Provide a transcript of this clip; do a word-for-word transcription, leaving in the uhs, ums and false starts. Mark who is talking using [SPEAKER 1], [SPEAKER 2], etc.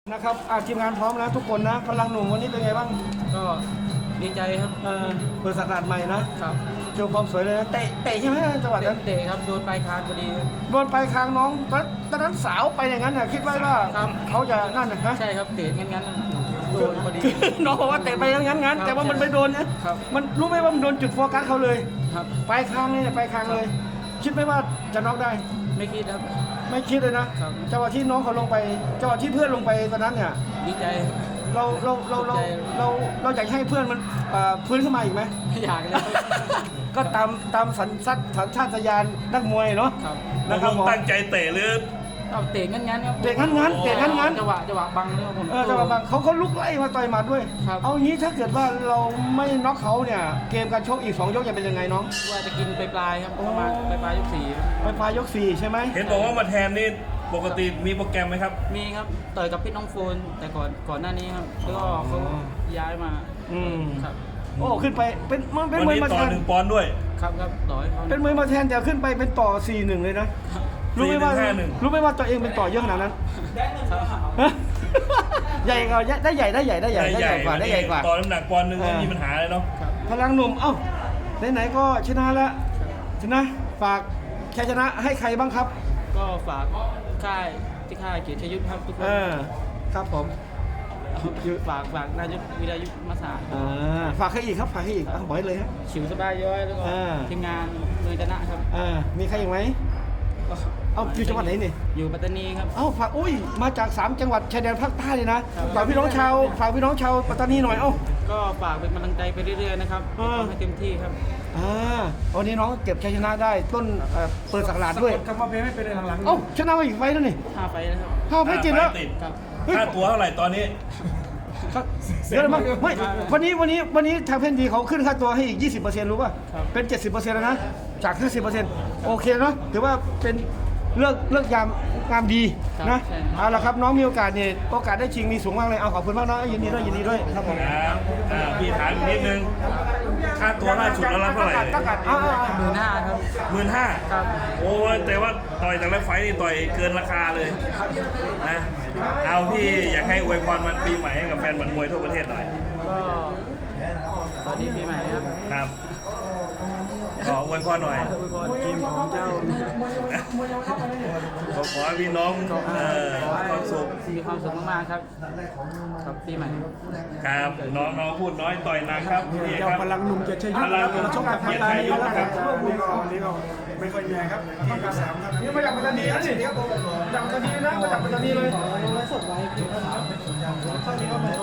[SPEAKER 1] นะครับทีมงานพร้อมนะทุกคนนะพลังหนุ่มวันนี้เป็นไงบ้าง
[SPEAKER 2] ก็ดีใจครับ
[SPEAKER 1] เออเปิดสักราชใหม่นะครับโชว์ความสวยเลยนะเตะเตะใช่ไหมจังหวะนั้น
[SPEAKER 2] เตะครับโดนปลายคางพอดี
[SPEAKER 1] โดนปลายคางน้องตอนนั้นสาวไปอย่างนั้นน่ะคิดไว้ว่าเขาจะนั่นนะฮะ
[SPEAKER 2] ใช่ครับเตะงั้นๆโดนพอดี
[SPEAKER 1] น้องบอกว่าเตะไปงั้นงั้นแต่ว่ามันไม่โดนนะมันรู้ไหมว่ามันโดนจุดโฟกัสเขาเลย
[SPEAKER 2] ครับ
[SPEAKER 1] ปลายคางนี่ปลายคางเลยคิดไหมว่าจะน็อกได้
[SPEAKER 2] ไม่คิดครับ
[SPEAKER 1] ไม่คิดเลยนะจังหวะที่น้องเขาลงไปจังหวะที่เพื่อนลงไปตอนนั้นเนี่ย
[SPEAKER 2] ดีใจ
[SPEAKER 1] เราเราเราเราเราเราอยากให้เพื่อนมันฟื้นขึ้นมาอีกไหม
[SPEAKER 2] ไม่อยากเลย
[SPEAKER 1] ก็ตามตามสัญชาตสัญชาตญาณนักมวยเนาะ
[SPEAKER 3] นะครับตั้งใจเตะหรือ
[SPEAKER 2] เตะงั้นงั้นครับ
[SPEAKER 1] เตะงั้นงั้นเตะงั้นงั้น
[SPEAKER 2] จังหวะจังหวะบังเลยผม
[SPEAKER 1] เออจังหวะบังเขาเขาลุกไล่มาต่อยหมัดด้วยเอางี้ถ้าเกิดว่าเราไม่น็อกเขาเนี่ยเกมการชกอีกสองยกจะเป็นยังไงน้อง
[SPEAKER 2] ว่าจะกินไปปลายครับประมาณไปปลายยกสี่
[SPEAKER 1] ไปปลายยกสี่ใช่ไหม
[SPEAKER 3] เห็นบอกว่ามาแทนนี่ปกติมีโปรแกรมไหมครับ
[SPEAKER 2] มีครับต่อยกับพี่น้องโฟนแต่ก่อนก่อนหน้านี้ครับแล้วก็เขาย้ายมา
[SPEAKER 1] อืม
[SPEAKER 2] ครับ
[SPEAKER 1] โอ้ขึ้นไปเป็นมันเป็น
[SPEAKER 3] มวยมาแทนหนึ่งปอนด์ด้วย
[SPEAKER 2] ครับครับต่อยเขา
[SPEAKER 1] เป็นมวยมาแทนแต่ขึ้นไปเป็นต่อสี่หนึ่งเลยนะรู้ไหมว่ารู้ไหมว่าตัวเองเป็นต่อเยอะขนาดนั้นใหญ่กว่าได้ใหญ่ได้ใหญ่ได้ใหญ่ได้ใหญ่กว่าได้ใหญ่กว่า
[SPEAKER 3] ต่อน้ำหนักปอนด์นึงไม่มีปัญหาเลยเนาะ
[SPEAKER 1] พลังหนุ่มเอ้าไหนๆก็ชนะแล้วชนะฝากแค่ชนะให้ใครบ้างครับ
[SPEAKER 2] ก็ฝากค่ายที่ค่ายเกียรติยุทธครับทุกคน
[SPEAKER 1] ครับผม
[SPEAKER 2] ฝากฝากนายกวิทยุมาสา
[SPEAKER 1] ฝากให้อีกครับฝากให้อีกบอกให้เลยครับ
[SPEAKER 2] ฉิวสบายย้อยแล้วก็ทีมงานเมืองชนะครับ
[SPEAKER 1] มีใครอีกไหมเอ้าอยู่จังหวัดไหนนี่
[SPEAKER 2] อยู่ปัตตานีครับ
[SPEAKER 1] เอ้าฝากอุ้ยมาจากสามจังหวัดชายแดนภาคใต้เลยนะฝากพี่น้องชาวฝากพี่น้องชาวปัตตานีหน่อยเอ้า
[SPEAKER 2] ก็ฝากเป็นกำลังใจไปเรื่อยๆนะครับให้เต็มที่ครับ
[SPEAKER 1] อ่าวันนี้น้องเก็บชัยชนะได้ต้นเปิดสักราชด้วย
[SPEAKER 2] กำมาเพลไม่เป็นหลัง
[SPEAKER 1] ๆเอ้าชนะมาอีกไฟแล้วนี่
[SPEAKER 2] ห้าไฟแล้วครับ
[SPEAKER 1] ห้าไฟจิตแล้ว
[SPEAKER 3] ค่าตัวเท่าไหร่ตอนนี้
[SPEAKER 1] เยอะมากไม่วันนี้วันนี้วันนี้ทางเพนดีเขาขึ้นค่าตัวให้อีก ยี่สิบเปอร์เซ็นต์ รู้ป่ะเป็น เจ็ดสิบเปอร์เซ็นต์ แล้วนะจาก ห้าสิบเปอร์เซ็นต์ โอเคเนาะถือว่าเป็นเลิกเลิกยามงามดีนะเอาละครับน้องมีโอกาสเนี่ยโอกาสได้ชิงมีสูงมากเลยเอาขอบคุณมากนะยินดีด้วยยินดีด้วยครับผม
[SPEAKER 3] พี่ถามนิดนึงค่าตัวล่าสุดเรารับเท่าไหร่
[SPEAKER 2] หมื่นห้าครับ
[SPEAKER 3] หมื่นห้า
[SPEAKER 2] ครับ
[SPEAKER 3] โอ้แต่ว่าต่อยแต่ละไฟนี่ต่อยเกินราคาเลยนะเอาพี่อยากให้อวยพรวันปีใหม่ให้กับแฟนบอลมวยทั่วประเทศหน่อย
[SPEAKER 2] ก็สวัสดีปีใหม่ครับ
[SPEAKER 3] ครับขออวยพรหน่อย
[SPEAKER 2] ทีมของเจ้า
[SPEAKER 3] ขอขอให้พี่น้องเอ่อความสุข
[SPEAKER 2] มีความสุขมากๆครับกับปีใหม่
[SPEAKER 3] ครับน้องน้องพูดน้อยต่อยหนักครับ
[SPEAKER 1] เจ้าพลังหนุ่มเกียรติชัยยุทธมาชกกับพัตตานีแล้วครับนี่ก็นี่ก็ไม่ค่อยเหนื่อยครับทีมกระสามครับนี่มาจากปัตตานีนะนี่จากปัตตานีนะมาจากปัตตานีเลยสดไว้